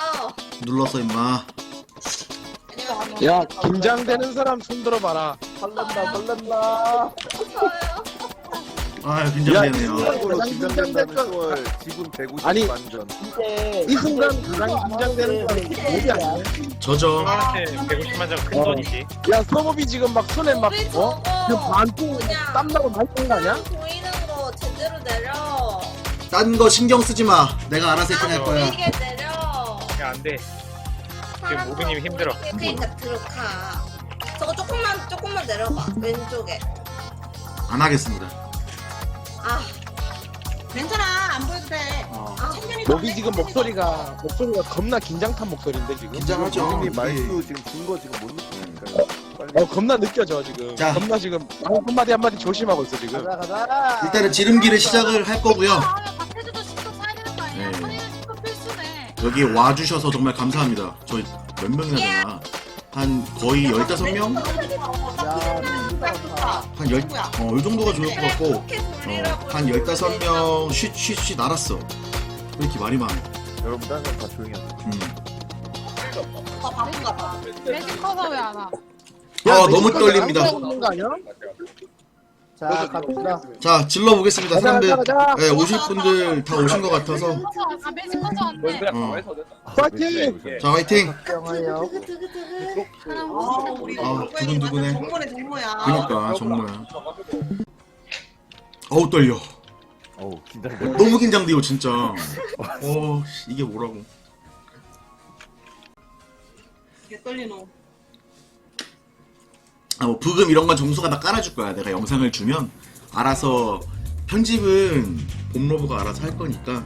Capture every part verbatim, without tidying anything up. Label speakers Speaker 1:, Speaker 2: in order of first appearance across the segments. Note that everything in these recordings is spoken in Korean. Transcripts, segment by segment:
Speaker 1: 눌러.
Speaker 2: 눌렀어 임마.
Speaker 3: 야 긴장되는 사람 손 들어봐라.
Speaker 4: 설렌다 설렌다.
Speaker 1: 저요.
Speaker 2: 아 긴장되네요.
Speaker 4: 이걸로
Speaker 3: 가장
Speaker 4: 긴장된다는
Speaker 3: 긴장됐던-
Speaker 4: 걸 지분 백오십
Speaker 3: 아니.
Speaker 4: 만전.
Speaker 3: 이 순간 가장 긴장되는 사람이 뭐지 아니야?
Speaker 2: 저죠.
Speaker 5: 사람한테 백오십만 장 큰
Speaker 3: 어.
Speaker 5: 돈이지.
Speaker 3: 야 서법이 지금 막 손에 막
Speaker 1: 우리
Speaker 3: 어? 그
Speaker 1: 저거
Speaker 3: 반통
Speaker 1: 그냥
Speaker 3: 땀나고 말던 거 아니야?
Speaker 1: 보이는 거 제대로 내려.
Speaker 2: 딴 거 신경 쓰지 마. 내가 알아서 세팅할
Speaker 1: 안
Speaker 2: 거야.
Speaker 1: 보이게 내려.
Speaker 5: 야, 안 돼.
Speaker 1: 사람
Speaker 5: 모기님이
Speaker 1: 더
Speaker 5: 힘들어.
Speaker 1: 보이게, 그러니까 들어가. 저거 조금만 조금만 내려봐. 왼쪽에.
Speaker 2: 안 하겠습니다.
Speaker 1: 아,
Speaker 6: 괜찮아 안 보여도 돼.
Speaker 2: 어.
Speaker 1: 아,
Speaker 6: 천천히
Speaker 3: 목이
Speaker 6: 더
Speaker 3: 지금
Speaker 6: 내,
Speaker 3: 목소리가 목소리가 겁나 긴장 탄 목소리인데 지금.
Speaker 2: 긴장하죠.
Speaker 4: 형님
Speaker 2: 이게.
Speaker 4: 말투 지금 준 거 지금 못 느끼니까. 빨리.
Speaker 3: 어 겁나 느껴져 지금.
Speaker 2: 자.
Speaker 3: 겁나 지금 한 마디 한 마디 조심하고 있어 지금.
Speaker 4: 가자 가자.
Speaker 2: 일단은 지름길을 시작을 할 거고요.
Speaker 7: 박태주도 신고 써야 되는 거 아니야?
Speaker 2: 네.
Speaker 7: 선생님 신고 필수네.
Speaker 2: 여기 와주셔서 정말 감사합니다. 저희 몇 명이나 되나? 한 거의 열다섯 명?
Speaker 6: 딱 좋다.
Speaker 2: 한 열, 어, 이 정도가 좋을 것
Speaker 1: 그래,
Speaker 2: 같고,
Speaker 1: 그렇게 돌리라고.
Speaker 2: 어, 한 열다섯 명 쉿, 쉿, 쉿 알았어. 왜 이렇게 말이 많아?
Speaker 4: 여러분 다른 사람 다 조용히 하세요.
Speaker 2: 음.
Speaker 6: 더 바쁜가 봐.
Speaker 7: 매직 커서 왜 안 와?
Speaker 2: 아, 너무 떨립니다.
Speaker 3: 있는 거 아니야?
Speaker 4: 자 갑시다.
Speaker 2: 자, 질러보겠습니다.
Speaker 3: 가자,
Speaker 2: 사람들,
Speaker 3: 가자, 가자.
Speaker 2: 네, 오실 분들 다 오신 것 같아서.
Speaker 7: 아 매직 커서 왔네.
Speaker 2: 어.
Speaker 3: 파이팅!
Speaker 2: 자, 화이팅!
Speaker 4: 영화요.
Speaker 7: 사람
Speaker 6: 아 우리
Speaker 2: 아, 두근두근해.
Speaker 6: 정모네 정모야.
Speaker 2: 그니까, 정말. 어우, 떨려.
Speaker 4: 어우 긴장돼.
Speaker 2: 너무 긴장돼요, 진짜. 어, 씨, 이게 뭐라고.
Speaker 6: 개 떨리노.
Speaker 2: 아, 뭐 부금 이런 건 정수가 다 깔아줄 거야. 내가 영상을 주면 알아서 편집은 봄러브가 알아서 할 거니까.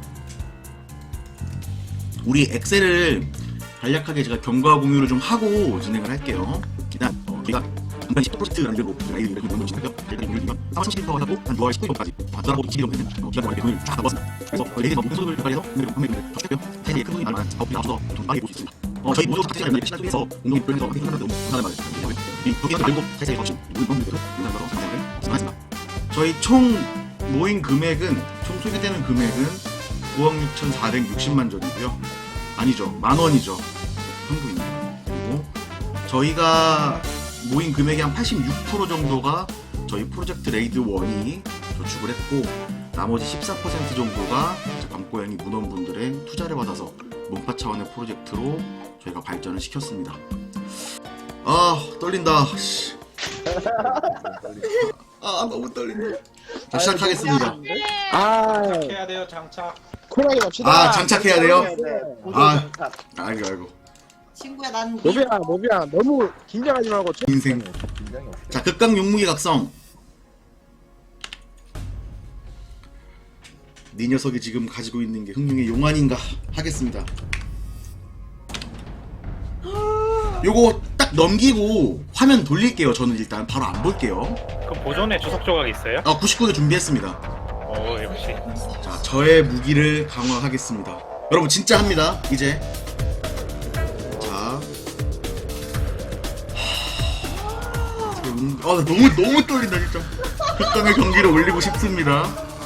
Speaker 2: 우리 엑셀을 간략하게 제가 경과 공유를 좀 하고 진행을 할게요. 일단 어, 우리가 중간 십 프로젝트 만들고 아이디를 이렇게 넣어주시고요. 일단 우리가 삼월 삼십일부터 하고 한 유월 십구일까지 전화하고 이십 일 정도 되는 어, 기간 동안에 돈을 쫙 넣었습니다. 그래서 어, 레이드 모든 소득을 개발해서 오늘 판매금을 더 추격해요. 사실 큰 돈이 나면 작업비가 없어서 돈 빠르게 볼 수 있습니다. 어, 저희 모두 각자 연락이 시간 속에서 운동이 불면서 하게 하는데 너무 감사하는 말을 드리고요. 이 부기가 늘고 사실 없이 우리 모두 영상으로 상담을 진행하겠습니다. 저희 총 모인 금액은 총 소개되는 금액은 구억 육천사백육십만 전이고요. 아니죠, 만 원이죠. 현금입니다. 그리고 저희가 모인 금액의 한 팔십육 퍼센트 정도가 저희 프로젝트 레이드 일이 저축을 했고, 나머지 십사 퍼센트 정도가 밤고양이 문원분들의 투자를 받아서 문파 차원의 프로젝트로 저희가 발전을 시켰습니다. 아 떨린다. 씨. 아 너무 떨린다. 자, 시작하겠습니다.
Speaker 3: 아
Speaker 5: 해야 돼요, 장착.
Speaker 3: 쿨하게 갑시다.
Speaker 2: 아 장착해야 돼요? 아
Speaker 4: 장착.
Speaker 2: 알고 알고.
Speaker 6: 친구야 난
Speaker 3: 모비야 모비야 너무 긴장하지 말고 좀-
Speaker 2: 인생.
Speaker 4: 긴장이 없어.
Speaker 2: 자 극강 용무기 각성. 네 녀석이 지금 가지고 있는 게 흥룡의 용안인가 하겠습니다. 요거 딱 넘기고 화면 돌릴게요. 저는 일단 바로 안 볼게요.
Speaker 5: 그 보존에 주석 조각 있어요?
Speaker 2: 아 구십구 개 준비했습니다.
Speaker 5: 어, 역시.
Speaker 2: 자 저의 무기를 강화하겠습니다. 여러분 진짜 합니다. 이제 자, 하... 음, 아, 나 너무 너무 떨린다 진짜. 극강의 경기를 올리고 싶습니다.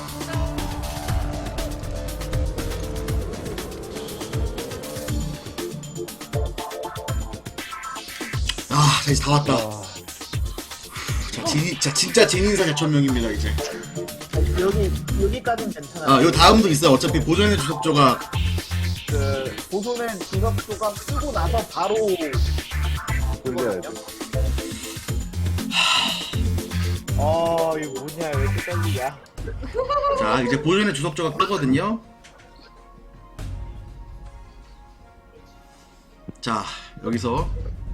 Speaker 2: 아, 자 이제 다 왔다. 자, 진, 자 진짜 진인사 제천명입니다 이제.
Speaker 4: 여기 여기까지는 괜찮아.
Speaker 2: 아, 요 다음도 있어요. 어차피 보존의 주석 조각.
Speaker 4: 그 보존엔 주석조각 쓰고 나서 바로 돌려야 돼. 아 이거 뭐냐 왜 이렇게 떨리냐?
Speaker 2: 자, 이제 보존의 주석 조각 뜨거든요. 자, 여기서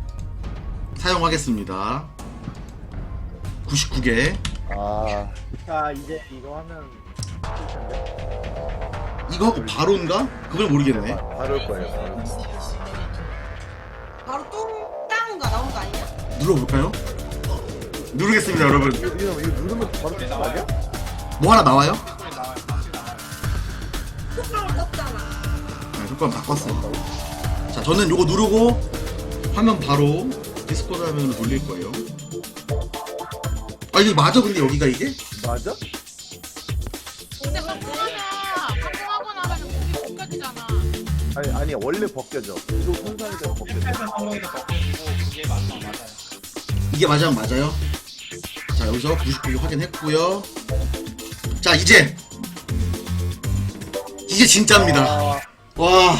Speaker 2: 사용하겠습니다. 구십구 개.
Speaker 4: 아. 자 이제 이거 하면 될 텐데.
Speaker 2: 이거 하고 바로인가? 그걸 모르겠네.
Speaker 4: 바- 바로 올 거예요. 바로.
Speaker 6: 바로 뚱땅가 나온 거 아니야?
Speaker 2: 눌러볼까요? 누르겠습니다, 여러분.
Speaker 4: 이거, 이거, 이거 누르면 바로 뜰 거야?
Speaker 2: 뭐 하나 나와요?
Speaker 1: 뚜껑 떴잖아.
Speaker 2: 네, 효과음 바꿨어. 자, 저는 요거 누르고 화면 바로 디스코드 화면으로 돌릴 거예요. 아, 이게 맞아? 근데 여기가 이게?
Speaker 4: 맞아?
Speaker 7: 근데 방송하면 방송하고 나면 목이 못 가지잖아.
Speaker 3: 아니 아니 원래 벗겨져. 이거 손상이 되면 벗겨져.
Speaker 5: 실패는 성공에서 벗겨지고 그게 맞나 맞아요.
Speaker 2: 이게 맞으면 맞아요. 자 여기서 구십구 개 확인했고요. 자 이제 이게 진짜입니다.
Speaker 3: 아,
Speaker 2: 와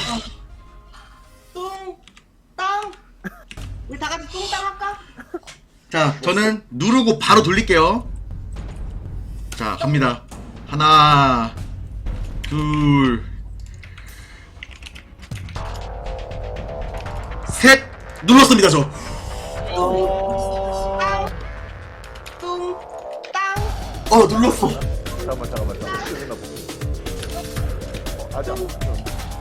Speaker 6: 뚱, 땅. 우리 다 같이 뚱땅 할까?
Speaker 2: 자, 저는 누르고 바로 돌릴게요. 자, 갑니다. 하나, 둘, 셋! 눌렀습니다, 저.
Speaker 6: 땅. 뚱, 땅.
Speaker 2: 어, 눌렀어.
Speaker 3: 잠깐만 잠깐만 잠깐만. 끝나 보고. 어, 아직 안 벗겨.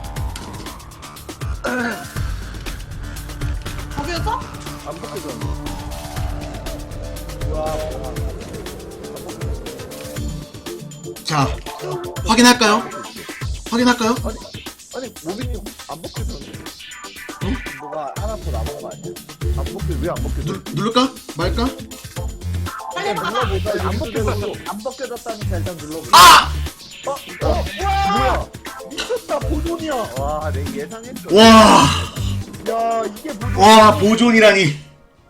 Speaker 6: 거기였어?
Speaker 3: 안 벗겨졌는데. 와.
Speaker 2: 자, 확인할까요? 확인할까요?
Speaker 3: 아니 모빈이 안 벗겨졌는데. 뭐가 하나 더 남은 거 아니야? 안 벗겨 왜안 벗겨져?
Speaker 2: 누, 누를까? 말까?
Speaker 6: 빨리 가자.
Speaker 3: 눌러보자. 안 벗겨졌어. 안 벗겨졌다니까 일단 눌러보자.
Speaker 2: 아!
Speaker 3: 어? 어? 뭐야? 미쳤다 보존이야. 와, 내 예상했어.
Speaker 2: 와,
Speaker 3: 야, 이게 보존.
Speaker 2: 와, 보존이라니.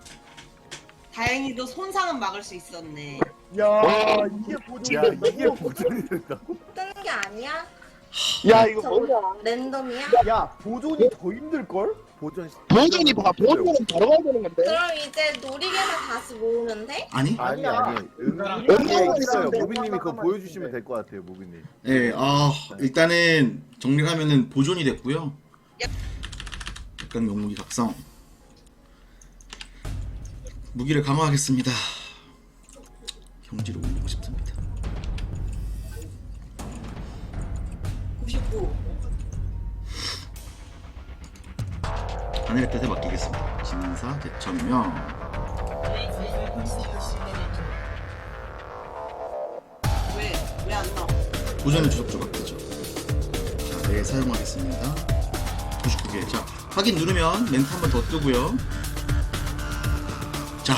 Speaker 6: 다행히도 손상은 막을 수 있었네.
Speaker 3: 야, 이게 보존. 야, 이게 보존이 된다고?
Speaker 1: 뜨는 게 아니야?
Speaker 3: 야, 이거
Speaker 1: 저거
Speaker 3: 뭐야?
Speaker 1: 랜덤이야?
Speaker 3: 야, 보존이 더 힘들 걸? 보존.
Speaker 8: 보존이 봐. 보존은 바로 가야 되는 건데.
Speaker 1: 그럼 이제 놀이개만 다시 모으면 돼?
Speaker 2: 아니?
Speaker 3: 아니 아니.
Speaker 5: 은근히
Speaker 3: 은근히 있어요. 모빈님이 그거 보여주시면 될 것 같아요, 모빈님.
Speaker 2: 네, 아, 일단은 정리하면은 보존이 됐고요. 약간 영무기 각성. 무기를 강화하겠습니다. 경지를 올리고 싶습니다.
Speaker 6: 구십구.
Speaker 2: 하늘의 뜻에 맡기겠습니다. 진사 대천명.
Speaker 6: 왜? 왜 안 나와?
Speaker 2: 보존의 주석 조각되죠. 자, 네, 사용하겠습니다. 구십구 개. 자, 확인 누르면 멘트 한 번 더 뜨고요. 자,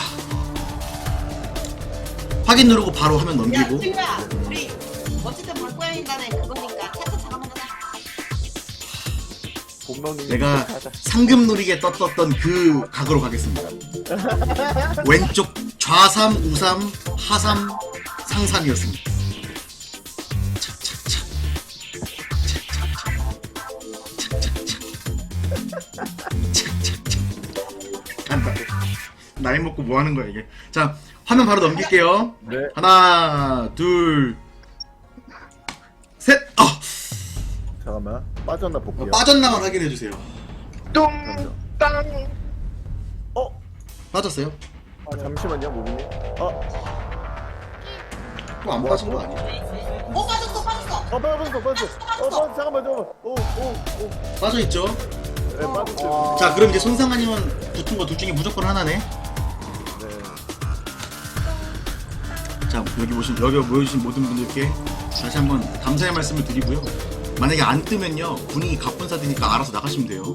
Speaker 2: 확인 누르고 바로 화면
Speaker 6: 야,
Speaker 2: 넘기고.
Speaker 6: 친구야. 우리 어쨌든 물고양이단에 그거니까 차차 잠깐만 가자.
Speaker 3: 본명님.
Speaker 2: 내가 상금 누리게 떴었던 그 각으로 가겠습니다. 왼쪽 좌삼, 우삼, 하삼, 상삼이었습니다. 차차차. 차차차. 간다. 나이 먹고 뭐 하는 거야 이게? 자, 화면 바로 넘길게요.
Speaker 3: 네.
Speaker 2: 하나, 둘, 셋. 아,
Speaker 3: 잠깐만. 빠졌나 볼게요.
Speaker 2: 빠졌나만 확인해 주세요.
Speaker 8: 뚱땅.
Speaker 3: 어?
Speaker 2: 빠졌어요?
Speaker 3: 아, 잠시만요, 모빈님. 어?
Speaker 2: 또 안 빠진 거 아니에요?
Speaker 6: 어, 빠졌어, 빠졌어.
Speaker 3: 어, 빠졌어, 빠졌어. 어, 빠졌어. 잠깐만, 잠깐만. 오, 오, 오.
Speaker 2: 빠져 있죠?
Speaker 3: 네, 빠졌어요.
Speaker 2: 자, 그럼 이제 손상 아니면 붙은 거 둘 중에 무조건 하나네.
Speaker 3: 네.
Speaker 2: 자, 여기 보신 여기 모여주신 모든 분들께 다시 한번 감사의 말씀을 드리고요. 만약에 안 뜨면요, 분위기 갑분사되니까 알아서 나가시면 돼요.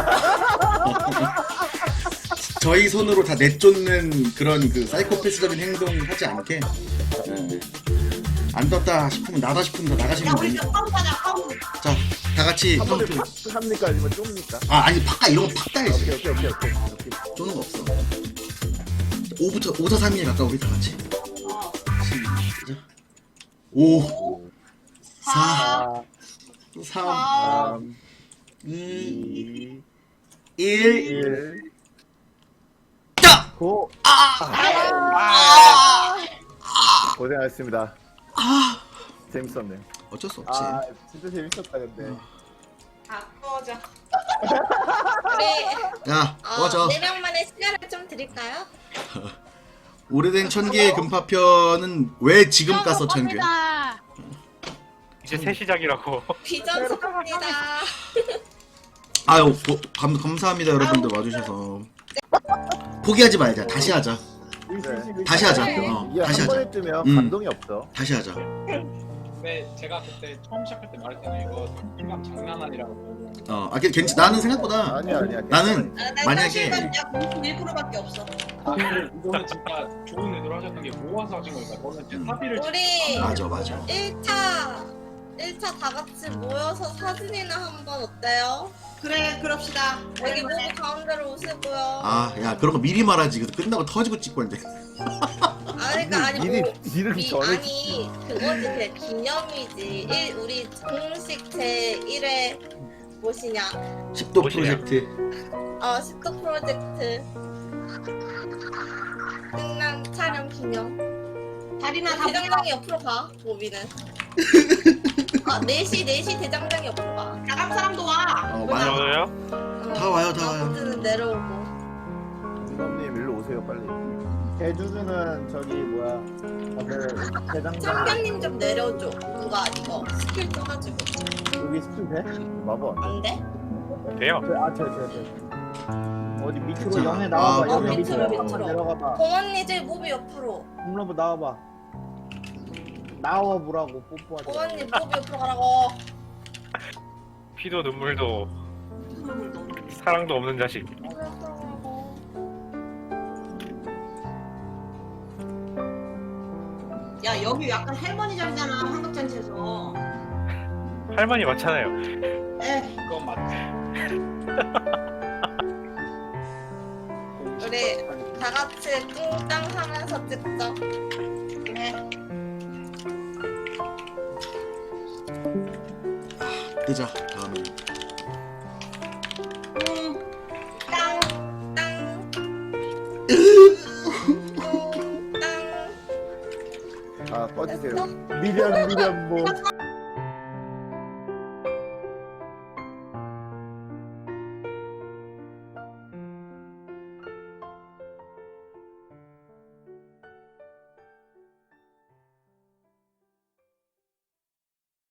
Speaker 2: 저희 손으로 다 내쫓는 그런 그 사이코패스적인 행동 하지 않게. 네. 안 떴다 싶으면 나다 싶으면 다
Speaker 6: 야,
Speaker 2: 나가시면
Speaker 6: 우리
Speaker 2: 됩니다.
Speaker 6: 카운트 하자, 카운트.
Speaker 2: 자, 다 같이
Speaker 3: 한 번에
Speaker 2: 카운트.
Speaker 3: 팍 합니까? 아니면 좀입니까?
Speaker 2: 아, 아니 팍가 이런 거 팍 따야지.
Speaker 3: 오케이, 오케이, 오케이, 오케이. 오케이.
Speaker 2: 쪼는 거 없어. 오부터 오, 사, 삼, 일 가까 우리 다 같이.
Speaker 6: 어.
Speaker 2: 시작. 오, 사,
Speaker 3: 아,
Speaker 2: 삼,
Speaker 3: 삼,
Speaker 2: 이,
Speaker 3: 이,
Speaker 2: 일.
Speaker 3: 일,
Speaker 2: 자!
Speaker 3: 구.
Speaker 2: 아!
Speaker 3: 고생하셨습니다.
Speaker 2: 아!
Speaker 3: 재밌었네.
Speaker 2: 어쩔 수 없지.
Speaker 3: 아, 진짜 재밌었다, 근데.
Speaker 6: 다 꺼져.
Speaker 1: 우리
Speaker 2: 야,
Speaker 1: 어,
Speaker 2: 꺼져.
Speaker 1: 네 명만의 시간을 좀 드릴까요?
Speaker 2: 오래된 천개의 금파편은 왜 지금 까서 천개?
Speaker 7: 겁니다.
Speaker 5: 이제 새 시작이라고.
Speaker 1: 비전 축하합니다.
Speaker 2: 아유, 고, 감, 감사합니다 여러분들 와주셔서. 포기하지 말자. 다시 하자.
Speaker 3: 네.
Speaker 2: 다시 하자.
Speaker 1: 네.
Speaker 2: 어,
Speaker 3: 이게
Speaker 2: 다시
Speaker 3: 한
Speaker 2: 하자.
Speaker 3: 번에 뜨면
Speaker 2: 음.
Speaker 3: 감동이 없어.
Speaker 2: 다시 하자.
Speaker 5: 근데 제가 그때 처음 시작할 때 말했잖아요. 이거 생각 장난 아니라고.
Speaker 2: 어, 아, 괜찮. 나는 생각보다
Speaker 3: 아니야, 아니야.
Speaker 2: 나는
Speaker 6: 아, 난
Speaker 2: 만약에
Speaker 6: 사실은 약 구십일 퍼센트밖에 없어.
Speaker 5: 아, 근데 이거는 진짜 좋은 의도로 하셨던 게 모아서 하신 거니까. 저는 이제 사비를
Speaker 1: 우리
Speaker 2: 맞아, 맞아.
Speaker 1: 일 차 일 차 다 같이 모여서 사진이나 한번 어때요?
Speaker 6: 그래 그럽시다.
Speaker 1: 여기 모두 가운데로 오시고요.
Speaker 2: 아, 야, 그런 거 미리 말하지. 그래서 끝나고 터지고 찍고 있는데.
Speaker 1: 아니 그러니까 아니
Speaker 3: 일이
Speaker 1: 뭐
Speaker 3: 일을
Speaker 1: 미,
Speaker 3: 전에
Speaker 1: 아니 그거지 그냥 기념이지. 일, 우리 공식 제일 회 무엇이냐?
Speaker 2: 십 도
Speaker 5: 무엇이냐?
Speaker 2: 프로젝트.
Speaker 1: 어 십 도 프로젝트 끝난 촬영 기념.
Speaker 6: 다리나 다 모여.
Speaker 1: 대장장이 옆으로 가. 모비는. 아 네 시 네 시 대장장이 옆으로 가.
Speaker 6: 나갈 사람도 와.
Speaker 2: 어, 와요.
Speaker 5: 저요?
Speaker 1: 어,
Speaker 2: 다 와요, 다 와요.
Speaker 1: 나머지는 내려오고.
Speaker 3: 민감님 일로 오세요 빨리. 대주주는 저기 뭐야 다들 대장장
Speaker 1: 참견님 좀 내려줘. 누가 이거 스킬 떠가지고.
Speaker 3: 여기 스킬 돼? 마법 안
Speaker 1: 안 돼?
Speaker 5: 돼요.
Speaker 3: 돼? 아저저 저. 어디 밑으로
Speaker 2: 괜찮아.
Speaker 3: 영에 나와봐.
Speaker 2: 아,
Speaker 3: 영에
Speaker 2: 그래.
Speaker 3: 밑으로
Speaker 1: 밑으로,
Speaker 3: 한번
Speaker 1: 밑으로.
Speaker 3: 내려가봐.
Speaker 1: 공언니 제 모비 옆으로.
Speaker 3: 홈런브 나와봐. 나와보라고 뽀뽀하자.
Speaker 1: 공언니 모비 옆으로 가라고.
Speaker 5: 피도 눈물도 사랑도 없는 자식.
Speaker 6: 야 여기 약간 할머니 자리잖아 한국잔치에서.
Speaker 5: 할머니 맞잖아요.
Speaker 6: 에
Speaker 5: 그건 맞지.
Speaker 1: 우리 다 같이 뚱땅 하면서 찍자.
Speaker 6: 그래.
Speaker 2: 뜨자. 다음에.
Speaker 6: 응.
Speaker 1: 땅, 땅. 뚱땅.
Speaker 3: 아 꺼지세요. 미련 미련 뭐.